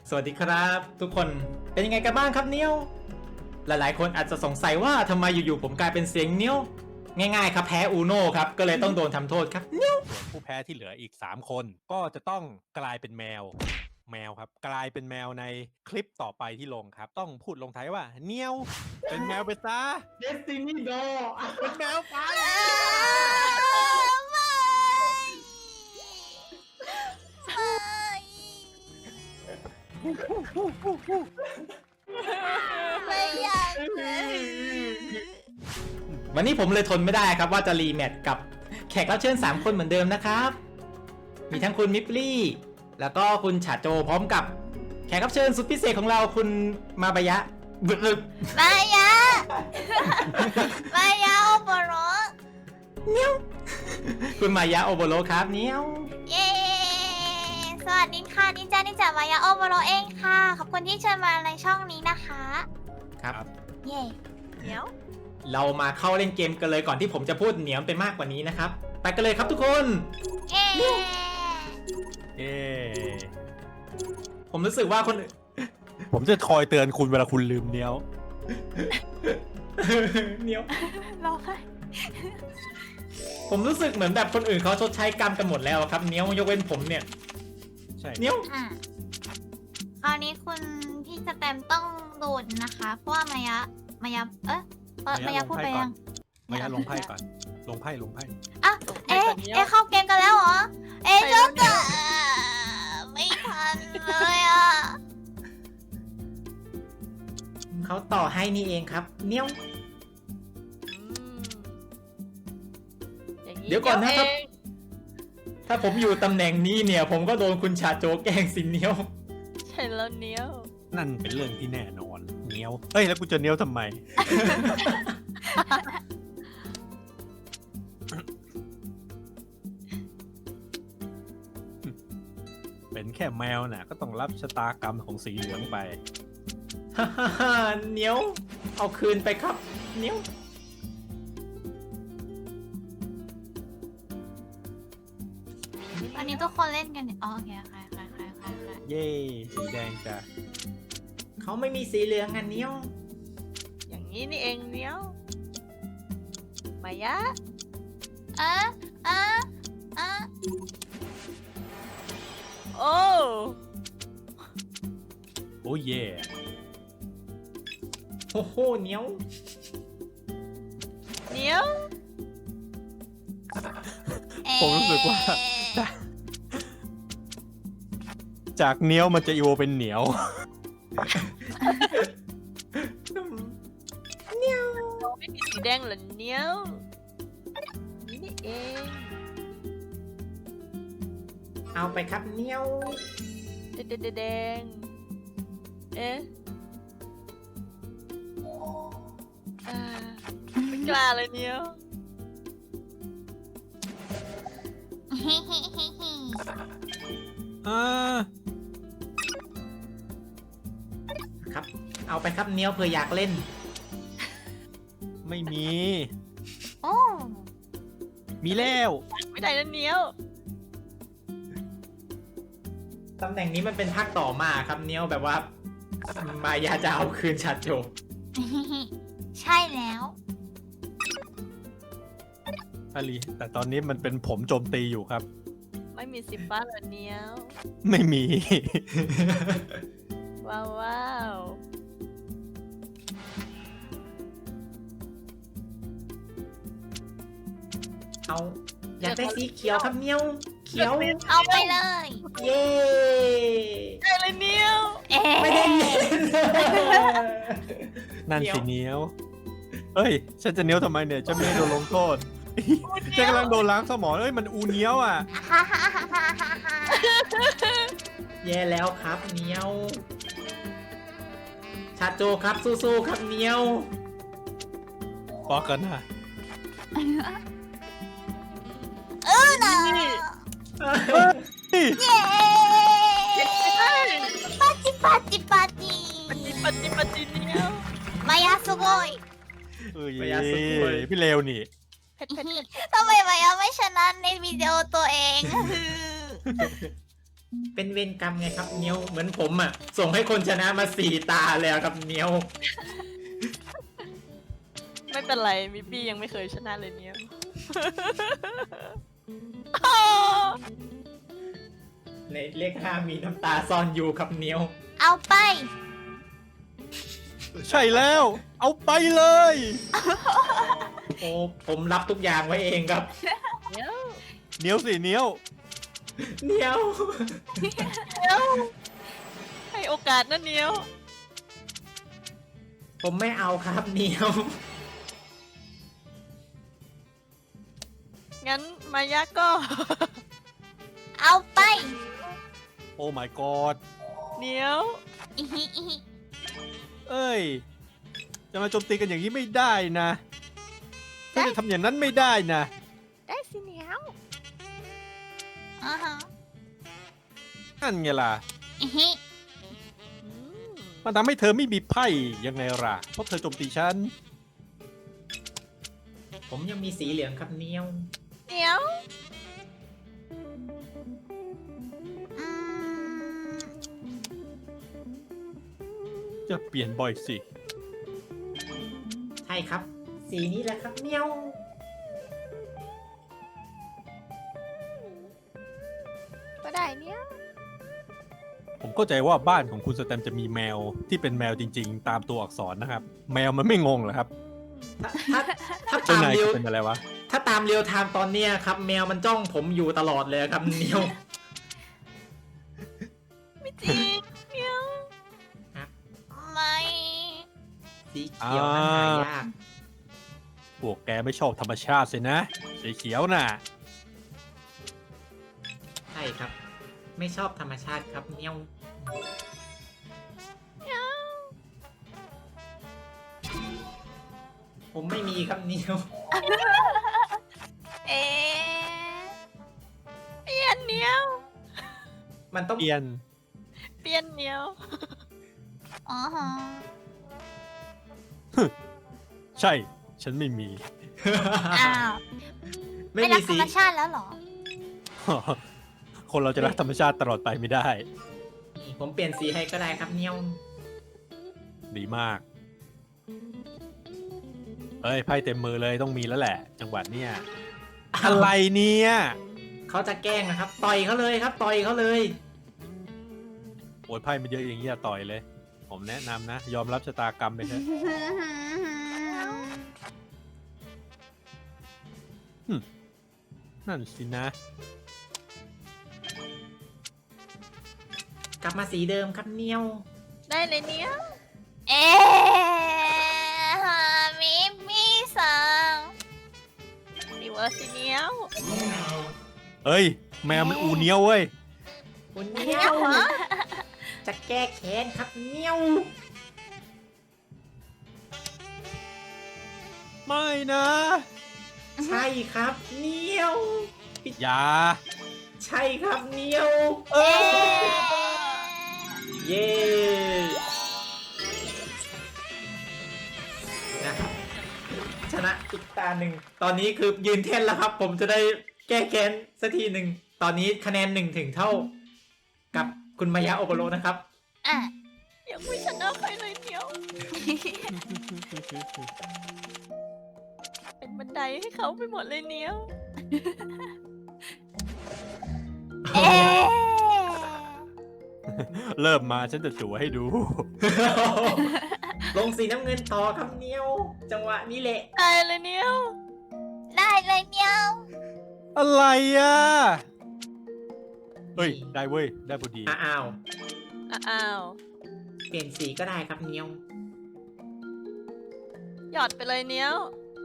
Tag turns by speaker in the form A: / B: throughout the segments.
A: สวัสดีครับทุกคนเป็นยังไงกันบ้างครับเนี้ยวหลายๆคนอาจจะสงสัยว่าทำไมอยู่ๆผมกลายเป็นเสียงเนี้ยวง่ายๆครับแพ้อูโน่ครับก็เลยต้องโดนทำโทษครับเนี้ยว
B: ส่วนผู้แพ้ที่เหลืออีก3คนก็จะต้องกลายเป็นแมวครับกลายเป็นแมวในคลิปต่อไปที่ลงครับต้องพูดลงท้ายว่าเนียวเป็นแมวไปซะ
A: Destiny Do
B: เป็นแมวไป
C: ไม่อยากเลย
A: วันนี้ผมเลยทนไม่ได้ครับว่าจะรีแมตช์กับแขกรับเชิญ3คนเหมือนเดิมนะครับมีทั้งคุณมิปลี่แล้วก็คุณฉาโจพร้อมกับแขกรับเชิญสุดพิเศษของเราคุณมาบายะบึก
C: มายะมายะโอโบโร
A: คุณมายะโอโบโรครับเนี้ยว
C: เย้สวัสดีค่ะนินจามายะโอโบโรเองค่ะขอบคุณที่เชิญมาในช่องนี้นะคะ
A: ครับ
C: เย้เดี๋ยว
A: เรามาเข้าเล่นเกมกันเลยก่อนที่ผมจะพูดเหนียวไปมากกว่านี้นะครับไปกันเลยครับทุกคน
C: เย้
B: เอ๊
A: ผมรู้สึกว่าคนอื่น
B: ผมจะคอยเตือนคุณเวลาคุณลืมเนียว
A: เหนียว
C: ร้องไห้
A: ผมรู้สึกเหมือนแบบคนอื่นเขาชดใช้กรรมกันหมดแล้วครับเหนียวยกเว้นผมเนี่ย
B: ใช่
A: เหนียว
C: อ่ะคราวนี้คุณพี่สแตมต้องโดนนะคะเพราะว่ามายะมายะพูดไปยัง
B: มายะลงไพ่ก่อนลงไพ่
C: อ่ะเอ๊ะเข้าเกมกันแล้วเหรอเอ๊ะจบกันไม่ทันเลยอ่ะ
A: เขาต่อให้นี่เองครับเหนียว เดี๋ยวก่อนนะครับ ถ้าผมอยู่ตำแหน่งนี้เนี่ย ผมก็โดนคุณชาโจแกล้งสิเหนียว
D: ใช่แล้วเนี้ยว
B: นั่นเป็นเรื่องที่แน่นอนเนียวเฮ้ยแล้วกูจะเนียวทำไม เป็นแค่แมวน่ะก็ต้องรับชะตากรรมของสีเหลืองไป
A: ฮ่าฮ่าฮ่าเหนียว เอาคืนไปครับเหนียว
C: ตอนนี้ทุกคนเล่นกันเนี่ยอ๋อโอเคใคร
B: เย่สีแดงจ้ะ
A: เขาไม่มีสีเหลืองอันเหนียว
D: อย่างนี้นี่เองเนี้ยวมายะ
C: อ่ะอ่ะอ่ะ
D: โอ้
B: โอ้เย่
A: โอ้โหเหนียว
D: เนี้ยว
B: ผมรู้สึกว่า จากเนี้ยวมันจะอีโวเป็นเหนียว
D: เราไม่มีสีแดงเหรอเนี้ยวนี่นี่เอง
A: เอาไปครับเหนียว
D: แดงเอ๊ะอ่าไม่กล้าเลยเนี้ยว
B: อ่า
A: ครับ เอาไปครับเหนียวเผื่ออยากเล่น
B: ไม่มี
C: โอ้
B: มีแล้ว
D: ไม่ได้นะเนี้ยว
A: ตำแหน่งนี้มันเป็นภาคต่อมาครับเหนียวแบบว่ามายาจะเอาคืนชาโจ
C: ใช่แล้ว
B: อาลีแต่ตอนนี้มันเป็นผมโจมตีอยู่ครับ
D: ไม่มีสิฟ้าเหรอเนี้ยว
B: ไม่มี
D: ว้าวว้าว
A: เอาอยากได้สีเขียวครับเหนียว เขียว
C: เอาไปเลย
A: เย้
D: ได้เลยเนี้ยว
C: เอ๊ะ
A: ไม่ได้เล่น
B: นั่นสิเนี้ยวเอ้ย ฉันจะเนี้ยวทำไมเนี่ย ฉันไม่ได้โดนลงโทษ ฉันกำลังโดนล้างสมองเอ้ย มันอูเนี้ยวอ่ะ
C: ฮ่าฮ่าฮ่าฮ่าฮ่าฮ่า
A: แย่แล้วครับเหนียว ชาโจครับสู้ๆครับเหนียว
B: บอกกันนะ
C: น่ะ
D: นี่
C: เย้ปาจิปาจิปาจิ
D: ปฏิเนี้ยว
C: มายาสุโกย
B: เอ้ย
A: พยาสุโขย
B: พี่เลวนี่
D: เผ็ด
C: ทำไมมายาไม่ชนะในวิดีโอตัวเอง
A: เป็นเวรกรรมไงครับเนียวเหมือนผมอ่ะ ส่งให้คนชนะมา4 ตาแล้วครับเนียว
D: ไม่เป็นไรมิปปี้ยังไม่เคยชนะเลยเนี่ย
A: ในเลข5มีน้ำตาซ่อนอยู่ครับเนียว
C: เอาไป
B: ใช่แล้ว เอาไปเลย
A: โอ้ผมรับทุกอย่างไว้เองครับ
D: เดี๋ยว
B: เหนียวสิเหนียว
A: เนียว
D: ให้โอกาสนะเนียว
A: ผมไม่เอาครับเนียว
D: งั้นมายะก็
C: เอาไป
B: โอ้ my god
D: เนียว
C: อิฮิอิฮิ
B: เอ้ย จะมาโจมตีกันอย่างนี้ไม่ได้นะถ้าจะทำอย่างนั้นไม่ได้นะ
D: ได้สิเนียว
C: อ่าฮะ
B: นั่นไงล่ะ
C: อิฮิ
D: อืม
B: มันทำให้เธอไม่มีไพ่ยังไงล่ะ เพราะเธอโจมตีฉัน
A: ผมยังมีสีเหลืองครับเนียว
D: เนียว
C: อืม
B: จะเปลี่ยนบ่อยสิ
A: ใช่ครับ สีนี้แหละครับเนียว
D: ก็ได้เนียว
B: ผมเข้าใจว่าบ้านของคุณสแตมจะมีแมวที่เป็นแมวจริงๆ ตามตัวอักษรนะครับ แมวมันไม่งงเหรอครับ
A: ถ้า
B: เจ้า
A: ตาม
B: นาย
A: เรียว
B: เป็นอะไรวะ
A: ถ้าตามเรียวไทม์ตอนเนี้ยครับ แมวมันจ้องผมอยู่ตลอดเลยครับเนียว
D: ไม่จริงเนียว
C: ไม่
A: สีเขียวนั้นหายาก
B: พวกแกไม่ชอบธรรมชาติสินะ สีเขียวน่ะ
A: ใช่ครับ ไม่ชอบธรรมชาติครับเนียว ผมไม่มีครับเนียว
C: เอ๊ะ
D: เปลี่ยนเนียว
A: มันต้อง
B: เปลี่ยน
D: เปลี่ยนเนียว
C: อ๋อฮะ
B: ใช่ ฉันไม่มี
C: อ้าว
A: ไม่
C: ไม่รั
A: มี
C: กธร
A: สี
C: รมชาติแล้วเหรอ
B: คนเราจะรักธรรมชาติตลอดไปไม่ได้
A: ผมเปลี่ยนสีให้ก็ได้ครับเนียว
B: ดีมาก เอ้ยไพ่เต็มมือเลยต้องมีแล้วแหละ จังหวัดเนี่ย อะไรเนี่ย
A: เขาจะแกล้งนะครับ ต่อยเขาเลยครับ ต่อยเขาเลย
B: โอ้ยไพ่มันเยอะอย่างนี้อย่าต่อยเลย ผมแนะนำนะ ยอมรับชะตากรรมไปเถอะ นั่นสินะ
A: กลับมาสีเดิมครับเนียว
D: ได้เลยเนียว
C: เอ๊ะมิมี่สัง
D: รีเวิร์สสิเนียว
B: เอ้ย แมวมันอูเนียวเว้ย
A: คุณเนียว จะแก้แค้นครับเนียว
B: ไม่นะ
A: ใช่ครับเนียว
B: อย่า
A: ใช่ครับเนียว
B: เอ้
C: เอ๊
B: ย
C: ะ
A: เย้นะครับชนะอีกตาหนึ่ง ตอนนี้คือยืนแท่นแล้วครับ ผมจะได้แก้แค้นสักทีหนึ่ง ตอนนี้คะแนน1 ถึงเท่า กับคุณมายาโอโบโรนะครับ
C: อ่ะ
D: ยังไม่ชนะใครเลยเนียว เป็นบันไดให้เขาไปหมดเลยเนียว
C: เอ๊ะ
B: เริ่มมาฉันจะจั่วให้ดู
A: ลงสีน้ำเงินต่อครับเนียว จังหวะนี้แหละ
D: ได้เลยเนียว
C: ได้เลยเมียว
B: อะไรอ่ะ เฮ้ย ได้เว้ย ได้พอดี
A: อ้าว
D: อ้าว
A: เปลี่ยนสีก็ได้ครับเนียว
D: หยอดไปเลยเนียว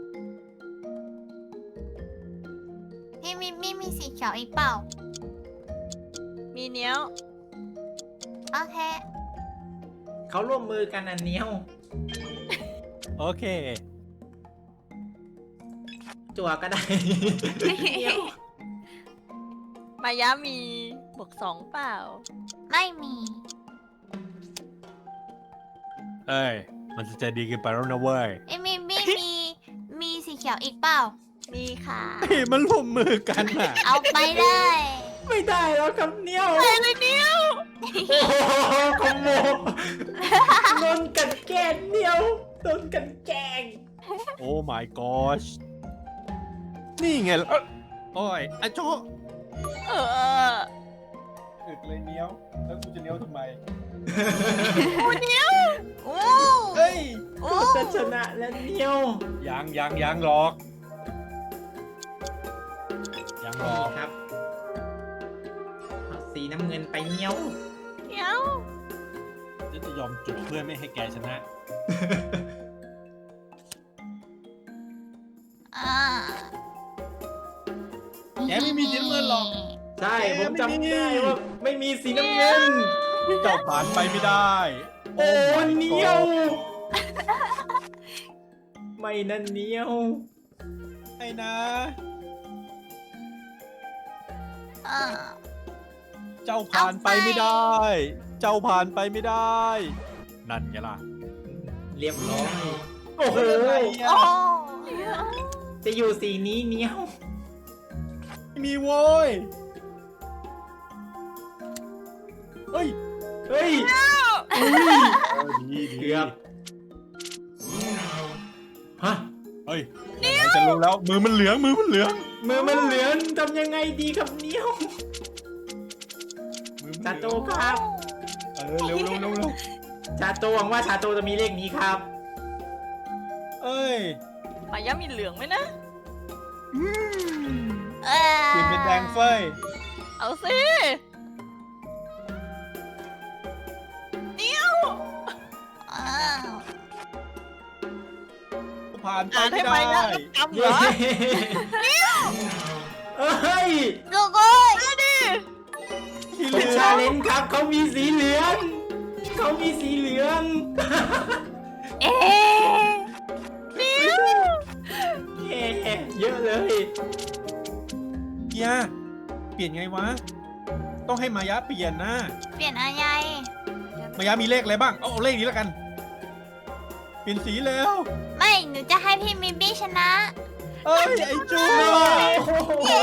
C: พี่มิมี่มีสีเขียวอีกเปล่า
D: มีเนียว
C: โอเค
A: เขาร่วมมือกันนะเนียว
B: โอเค
A: จั่วก็ได้ เนียว
D: มายะมีบวก2เปล่า
C: ไม่มี
B: เอ้ย มันจะใจดีเกินไปแล้วนะเว้ย
C: เอ้ยมิมี่มีสีเขียวอีกเปล่า
D: มีค่ะ
B: เฮ้ยมันร่วมมือกันอ่ะ
C: เอาไปเลย
A: ไม่ได้แล้วครับเนียว
D: ได้เลยเนี
A: โอ้โหคอมโบโดนกันแกล้งเหนียวโดนกันแกล้ง
B: โอ้ my gosh นี่ไงล่ะโอ้ยไอ้โจ
D: เออ
B: อึดเลยเนี้ยวแล้วกูจะเนี้ยวทำไม
C: โอ้
B: เฮ้ย
C: โอ้
A: จะชนะแล้วเหนียว
B: ยังหรอกยังหร
A: นี่
B: อก
A: ครับเอาสีน้ำเงินไปเหนียว
D: เหนียว
B: จะยอมจุดเพื่อไม่ให้แกชนะ
C: อ่า
B: แกไม่มีสีน้ำเงินหรอก
A: ใช่ผมจำได้ว่าไม่มีสีน้ำเงิน
B: เจ้าผ่านไปไม่ได้
A: โอ้
B: my
A: เหนียว
B: god
A: ไม่นั่นเหนียว
B: ไอ้นะ
C: อ่า
B: เจ้าผ่านไปไม่ได้ เจ้าผ่านไปไม่ได้ นั่นไงล่ะ
A: เรียบร้อยโอ้โห
C: โอ้
A: จะอยู่สีนี้เหนียว
B: ไม่มีโว้ยเฮ้ย
A: เฮ้ย
B: ดี
A: เกือบฮะ
B: เฮ้ยจะรู้แล้วมือมันเหลือง
A: มือมันเหลืองทำยังไงดีครับเหนียว
B: มือมัน
A: ชา
B: เห
A: โต
B: ลือง
A: ครับ
B: เร็ว
A: ชาโตหวังว่าชาโตจะมีเลขนี้ครับ
B: เอ้ย
D: มายะมีเหลืองไหมนะ
C: เออ
B: เปลี่ยนเป็นแดงเฟย
D: เอาสิเหนียว
C: อ้าว
B: ผ่านไป
D: อ่าน
B: ไม่
D: ให้
B: ได้
D: มายะจำเหร
A: เย้
D: อ
A: เฮ้ย
C: ลูกโอ้ย
B: ที่
A: ผ
B: เห
A: ม
B: ลือ
A: ชาเลนจ์ครับเขามีสีเหลืองเขามีสีเหลือง
C: เอ๊ะ
A: เย้เยอะเลย
B: เกียร์เปลี่ยนไงวะ ต้องให้มายะเปลี่ยนนะ
C: เปลี่ยนอะไร
B: มายะมีเลขอะไรบ้าง เอาเลขนี้แล้วกัน เปลี่ยนสีแล้ว
C: ไม่หนูจะให้พี่มิบี้ชนะ
B: เอ้ย ไอ้จู
C: เย้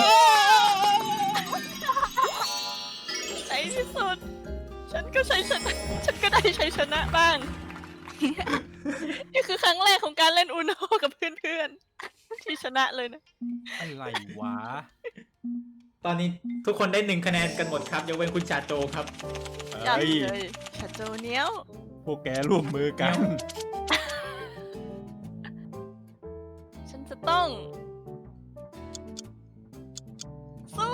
D: ในที่สุด ฉันก็ใช้ชนะ ฉันก็ได้ใช้ชนะบ้าง นี่คือครั้งแรกของการเล่นอูโนกับเพื่อนๆ ที่ชนะเลยนะ
B: อะไรวะ
A: ตอนนี้ทุกคนได้1 คะแนนกันหมดครับยกเว้นคุณชาโตครับ
D: จับ
B: เฮ้ย
D: เลยชาโจเหนียว
B: พวกแกร่วมมือกัน
D: ฉันจะต้อง สู้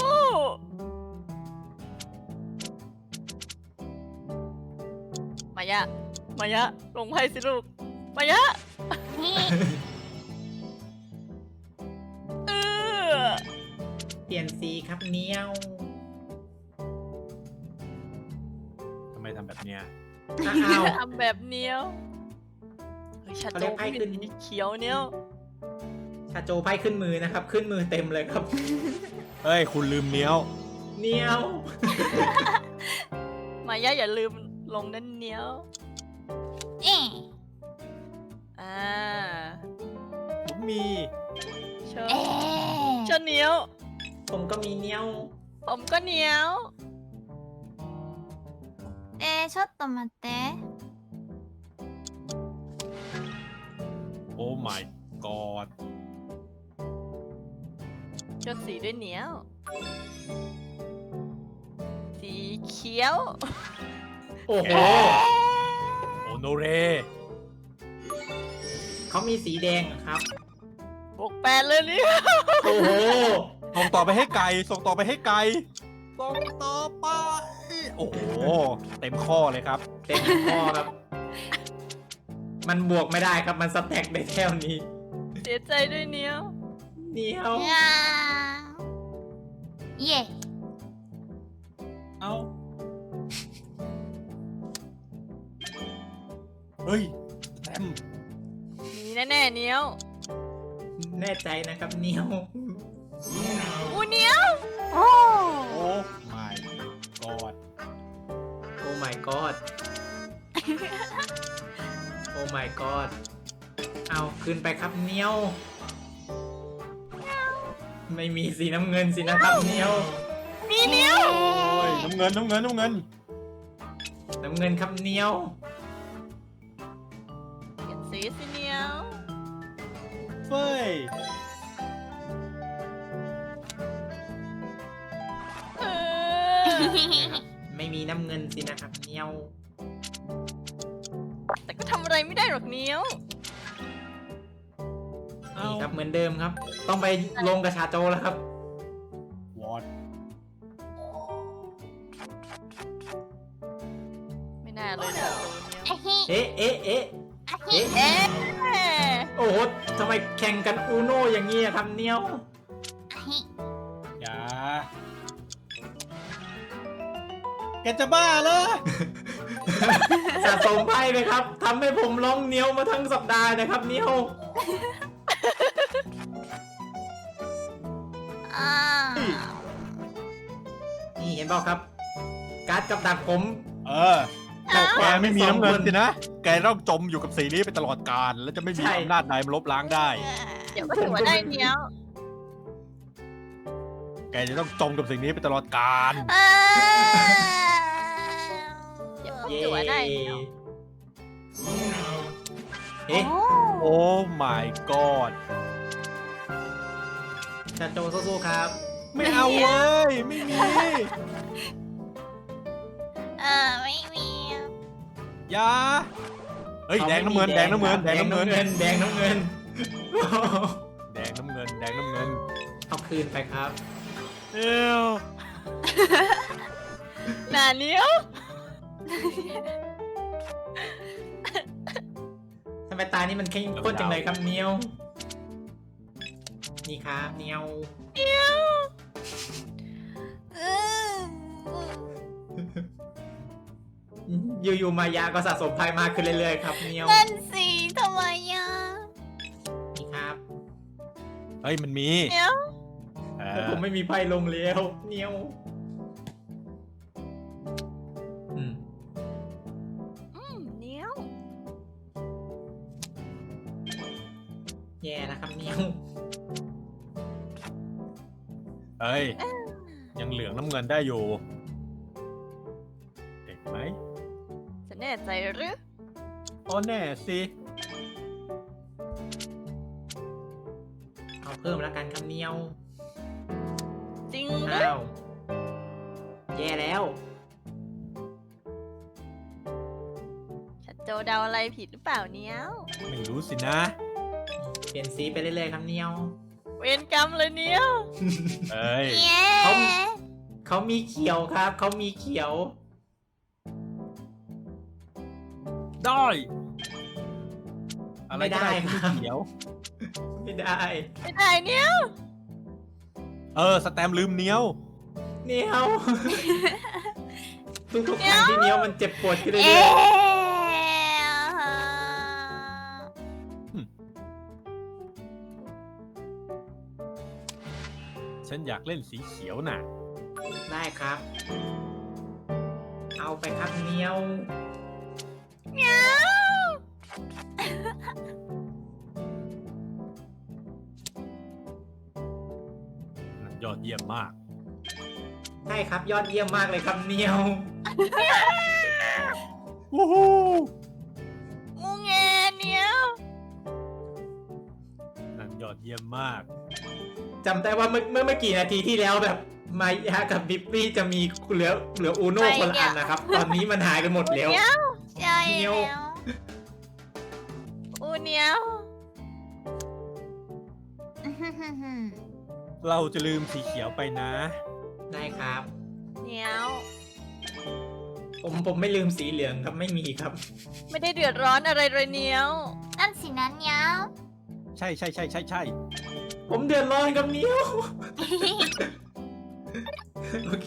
D: มายะ ลงไพ่สิลูก มายะ เออ
A: เปลี่ยนสีครับเหนียว
B: ทำไมทำแบบเนี้ย
A: อ้าว
D: ทำแบบเนี้ยวเฮ้ยชา
A: เขา
D: โจ
A: เรียกไพ่ขึ้น
D: มีเขียวเนี้ยว
A: ชาโจไพ่ขึ้นมือนะครับ ขึ้นมือเต็มเลยครับ
B: เฮ้ย คุณลืมเนี้ยว
A: เหนียว
D: มายะอย่าลืมลงนั่นเนี้ยว
C: เอ๊ะ
D: อ่า
B: ผมมี
D: เชิญ
C: เอ๊ะ
D: เชิญเนี้ยว
A: ผมก็มีเหนียว
D: ผมก็เนี้ยว
C: ちょっと待って。
B: โอ้ my god
D: เลือกสีด้วยเนี้ยว สีเขียว
A: โอ้โห
B: โอโนเร
A: เขามีสีแดงเหรอครับ
D: บวกแปดเลยเนี่ย
A: โอ้โห
B: ส่งต่อไปให้ไก่ ส่งต่อไปให้ไก่ ส่งต่อไป โอ้โห เต็มข้อเลยครับ
A: เต็มข้อครับ มันบวกไม่ได้ครับ มันสแต็กได้แค่นี้
D: เสียใจด้วยเนี้ยว
A: เหนียว
C: いやーイエイ。
B: เอา เฮ้ยแต้ม
D: มีแน่ๆเนี้ยว
A: แน่ใจนะครับเหนียว
D: อูเนี้ยว
C: おー。
B: โอ้ my god
A: โอ้ my god โอ้ my god เอาขึ้นไปครับเหนียว ไม่มีสีน้ำเงินสินะครับเหนียว
C: ニ
D: มีเนี้ย
B: โอ้ยน้ำเงิน
A: น้ำเงินครับเนียว
D: เปลี่ยนสีสิเนี้ย
B: เฟ้ย
D: เออ
A: ไม่มีน้ำเงินสินะครับเนียว
D: แต่ก็ทำอะไรไม่ได้หรอกเนี้ย
A: นี่ครับเหมือนเดิมครับ ต้องไปลงกับชาโจแล้วครับ
B: วอด
D: ไม่น่าเลยนะโซเนี้ย
C: อะฮิ
A: เอ๊ะ
C: อะฮิ
D: เอ๊ะ
A: โอ้โหทำไมแข่งกันอูโน่อย่างนี้อะครับเนียว
C: อะฮิ
B: อย่าแกจะบ้าเหรอ
A: สะสมไพ่ไหมครับทำให้ผมร้องเนียวมาทั้งสัปดาห์นะครับเนียว
C: อ้าว
A: นี่เห็นเปล่าครับ การ์ดกับดักผม
B: แกไม่มีน้ำเงินสินะ แกต้องจมอยู่กับสีนี้ไปตลอดกาลแล้วจะไม่มี
A: ใช่
B: อำนาจใดมาลบล้างได้
D: เดี๋ยวก็ถือว่าได้เนี้ย
B: แกจะต้องจมกับสิ่งนี้ไปตลอดกาล
C: อ้าว
D: เดี๋ยวก็
A: เย้
D: ถือว่าได้เนี้ย
A: เอ๊ะ
B: โอ้ my god
A: ชาโจสู้ๆครับ
B: ไม่เอาเว้ย ไม่มี
C: ไม่มี
B: อย่าเฮ้ย แดงน้ำเงิน
A: ครับ
B: แดงน้ำเงิน
A: แดงน้ำเงิน แดงน้ำเงิน
B: แดงน้ำเงิน แดงน้ำเงิน
A: เอาคืนไปครับ
B: เอ้ว
D: หนาเนี้ย
A: ทำไมตานี่มันเข้มข้นจังเลยครับเนียว นี่ครับเนียว อยู่ๆมายาก็สะสมไพ่มากขึ้นเรื่อยๆครับเนียว
C: นั่นสิทำไมอ่ะ
A: นี่ครับ
B: เฮ้ย มันมี
D: เนี้ย
A: แต่ผมไม่มีไพ่ลงแล้วเนียวอืม
D: เนี้ย
A: แย่นะครับเนียว
B: เฮ้ย ยังเหลืองน้ำเงินได้อยู่เด็กไหม
D: จะแน่ใจหรือ
B: อ๋อแน่สิ
A: เอาเพิ่มแล้วกันครับเนียว
D: จริงหรือ
A: อ้าว แย่แล้ว
D: ชัดโจเดาอะไรผิดหรือเปล่าเนี้ย
B: ไม่รู้สินะ
A: เปลี่ยนสีไปเรื่อยๆครับเนียว
D: เวรกรรมเลยเนี้ย
B: เฮ้ย
C: เย้
A: เขามีเขียวครับ เขามีเขียว
B: ได้ อะไรก็ได้ที่ไม่เขียว
A: ไม่ได้
D: ไม่ได้เนี้ย
B: สแตมป์ลืมเนี้ยว
A: เนียว ทุกๆครั้งที่เนียวมันเจ็บปวดขึ้นเรื่
C: เอ๊
A: อย
B: ฉันอยากเล่นสีเขียวน่ะ
A: ๆได้ครับ เอาไปครับเนียว
D: เนี้ย
B: ยอดเยี่ยมมาก
A: ใช่ครับยอดเยี่ยมมากเลยครับเนียว
B: วู้ฮู้
D: งูแงเนี้ย
B: นั่นยอดเยี่ยมมาก
A: จำได้ว่าเมื่อกี่นาทีที่แล้วแบบมายากับบิปปี้จะมีเหลืออูโน่คนละอันนะครับ ตอนนี้มันหายไปหมดแล้ว
D: เนี้ย
C: ใช่
A: เนียว
C: แล้ว
D: อูเนี้ย
B: เราจะลืมสีเขียวไปนะ
A: ได้ครับ
D: เนี้ย
A: ผมไม่ลืมสีเหลืองครับไม่มีครับ
D: ไม่ได้เดือดร้อนอะไรเลยเนี้ย
C: นั่นสินะเนี้ยว
B: ใช่ใช่ใช่ใช่ใช่
A: ผมเดือดร้อนกับเนียว โอเค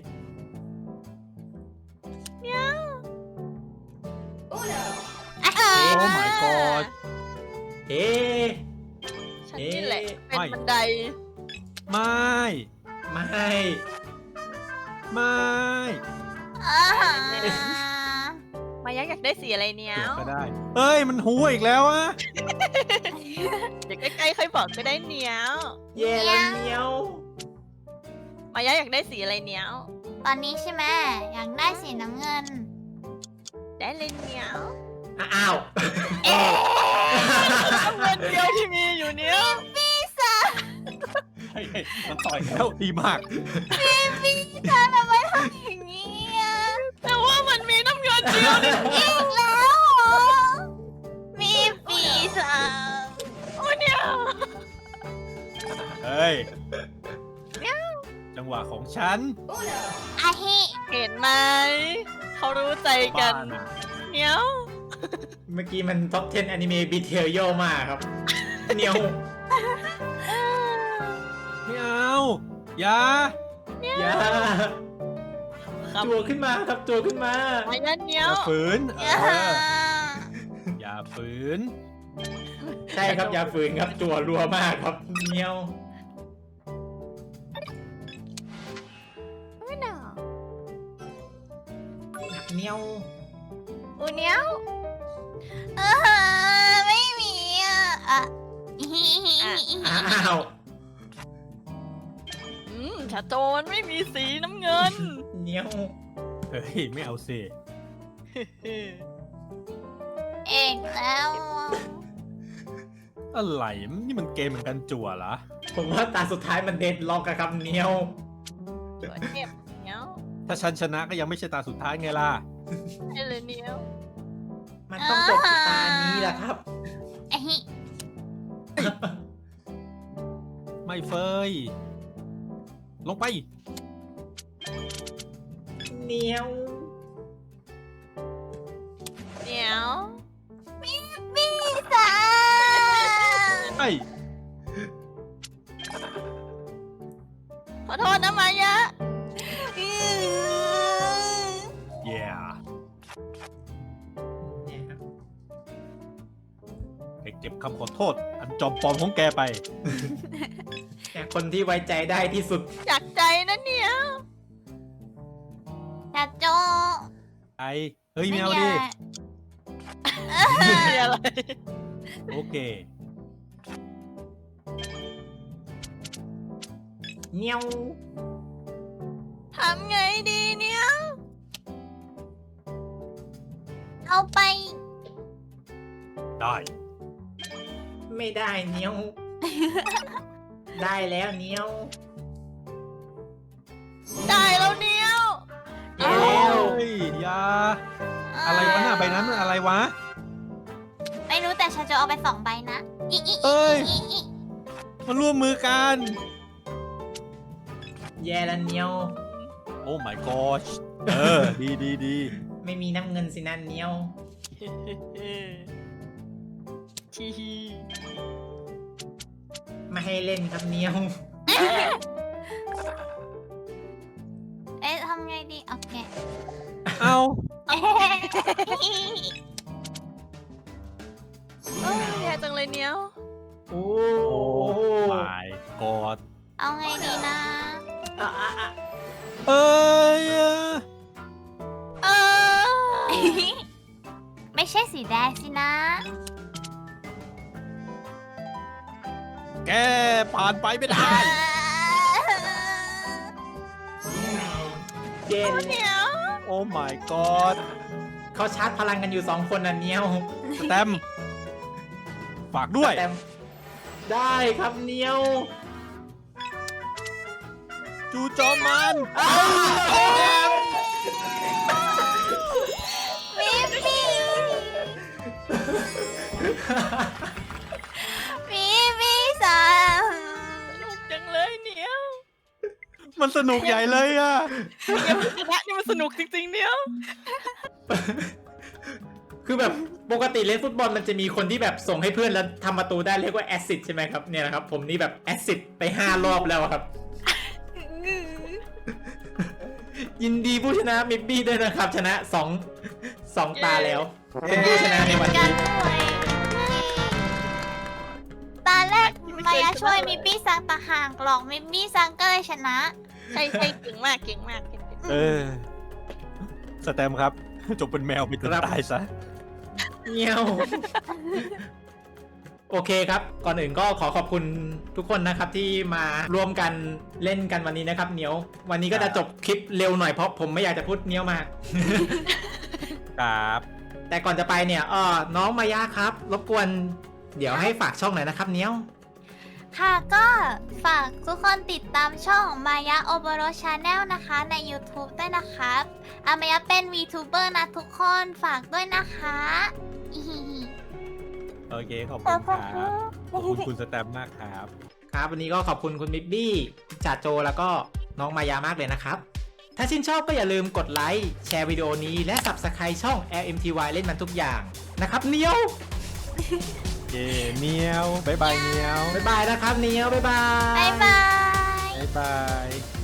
C: โอ้
B: โอ้ my god
A: เอ๊ะ
D: ฉันนี่แหละ เป็น
B: ไม่
D: บันได
B: ไม่
A: ไม่
B: ไม่
D: มายะอยากได้สีอะไรเนี้ย
B: เดี๋ยวก็ได้ เอ้ย มันหัวอีกแล้วอะ
D: เดี๋ยวใกล้ๆค่อยบอกก็ได้เนี้ย
A: แย่แล้วเนียว
D: มาายะอยากได้สีอะไรเนี้ยว
C: ตอนนี้ใช่ไหมอยากได้สีน้ำเงิน
D: ได้เลยเนี้ยว
A: อ้าว
D: น้ำเงินเดียวที่มีอยู่เนี้ยว
B: เฮ้ยมันต่อยแล้วดีมาก
C: ทำไมทำอย่างนี้อ่ะ
D: แต่ว่ามันมีน้ำเงินเดียวนี่
C: อีกแล้วเหรอมีปีศาจ
D: โอ้เนี้ยว
B: เฮ้ยจังหวะของฉัน
C: อาฮิ
D: เห็นไหมเขารู้ใจกัน
B: บ้านะ
D: เนี้ยว
A: เมื่อกี้มันท็อป 10 อนิเมะบีเทลโยมากครับเหนียว
B: ไม่เอาอย่า
A: อย่า
D: ครับ
A: จัวขึ้นมาครับจัวขึ้นมา
D: มายะเนี้
B: อย ย่าว ฝืน
C: อย่า
B: อย่าฝืน
A: ใช่ครับอย่าฝืนครับจัวรัวมากครับเหนียว
C: ไม่หนาว
A: เหนียว
C: อูเนี้ยวไม่มีอ่ะ
A: อ้าว
D: ชาโจนไม่มีสีน้ำเงิน
A: เหนียว
B: เฮ้ยไม่เอาสิ
C: เอกแล้วอ่ะ
B: อะไรนี่มันเกมเหมือนกันจั่วเหรอ
A: ผมว่าตาสุดท้ายมันเด็ดล็อกอะครับเหนียว
D: ตัวเจ็บเนี้ยว
B: ถ้าฉันชนะก็ยังไม่ใช่ตาสุดท้ายไงล่ะ
D: ได้เลยเนี้ยว
A: มันต้องจบที่ตานี้แหละครับ
C: อาฮิ
B: ไม่เฟย ลงไป
A: เหนียว
D: เนี้ยว
C: ปีศาจ
B: ไอ้
D: ขอโทษนะมายะ
B: เย่
A: เนี่ยครับ
B: ให้เก็บคำขอโทษ อันจอมปลอมของแกไป
A: แต่คนที่ไว้ใจได้ที่สุด
D: จากใจนะเนี้ยว
C: จัดโจ
B: ไอเฮ้ยไม่เอาดิ
D: ไม่มีอะไร
B: โอเค
A: เหนียว
D: ทำไงดีเนี้ยว
C: เอาไป
B: ได้
A: ไม่ได้เหนียว ได้แล้วเหนียว
D: ได้แล้วเนี้ยว
A: เย้แล้ว
B: เฮ้ยอยาอะไรวะน่ะใบนั้นมันอะไรวะ
C: ไม่รู้แต่ฉันจะเอาไป2 ใบนะอี
B: เอ้ย มาร่วมมือกัน
A: แย่แล้วเหนียว
B: โอ้ my gosh ดีดีดี
A: ไม่มีน้ำเงินสินะเหนียว
D: ทีฮี
A: ไม่ให้เล่นครับเหนียว
C: เอ๊ะทำไงดีโอเค
B: เอา
D: โอ้ยแย่จังเลยเนี้ยว
A: โอ้
B: โอ้ my god
C: เอาไงดีนะ
A: อ่ะอ่ะอ่ะ
B: เอ้ย
D: เออ
C: ไม่ใช่สีแดงสินะ
B: แกผ่านไปไม่ได้
A: เย็น
D: เนี้ยว
B: โอ้ my god
A: เขาชาร์จพลังกันอยู่2 คนน่ะเหนียว
B: สแตมป์ฝากด้วย
A: แต่ได้ครับเหนียว
B: จูโจมมัน
C: มีปีศาจ
D: สนุกจังเลยเนี้ยว
B: มันสนุกใหญ่เลยอะ
D: เกมชนะนี่มันสนุกจริงๆเนี้ยว
A: คือแบบปกติเล่นฟุตบอลมันจะมีคนที่แบบส่งให้เพื่อนแล้วทำประตูได้เรียกว่าแอสซิสต์ใช่ไหมครับเนี่ยนะครับผมนี่แบบแอสซิสต์ไป5 รอบแล้วครับ ยินดีผู้ชนะมิบบี้ด้วยนะครับ ชนะ2 ตาแล้วเป็นผู้ชนะในวัน
C: กั
A: นี้
C: นด้วยตาแรกมายาช่วยมิปปี้ซังตะห่างหลอกมิปปี้ซังก็เลยชนะ
D: ใช่ใช่เก่งมากเก่งมาก
B: สแตมป์ครับ จบเป็นแมวไปจนตายซะ
A: เงี้ยวโอเคครับ ก่อนอื่นก็ขอขอบคุณทุกคนนะครับที่มาร่วมกันเล่นกันวันนี้นะครับเนียววันนี้ก็จะจบคลิปเร็วหน่อยเพราะผมไม่อยากจะพูดเนียวมาก
B: ครับ
A: แต่ก่อนจะไปเนี่ยน้องมายาครับรบกวนเดี๋ยวให้ฝากช่องหน่อยนะครับเนียว
C: ค่ะก็ฝากทุกคนติดตามช่องมายะโอโบโรชาแนลนะคะใน YouTube ด้วยนะครับมายะเป็น VTuber นะทุกคนฝากด้วยนะคะอีฮิฮิ
B: โอเคขอบคุณครับขอบคุณคุณสแตมป์มากครับ
A: ครับวันนี้ก็ขอบคุณคุณบิ๊บบี้จ่าโจแล้วก็น้องมายามากเลยนะครับ ถ้าชื่นชอบก็อย่าลืมกดไลค์แชร์วิดีโอนี้และ Subscribe ช่อง LMTY เล่นมันทุกอย่างนะครับเนียว
B: เย่เนียวบ๊ายบายเนียว
A: บ๊ายบายนะครับเนียวบ๊ายบาย
C: บ๊ายบาย
B: บ๊ายบาย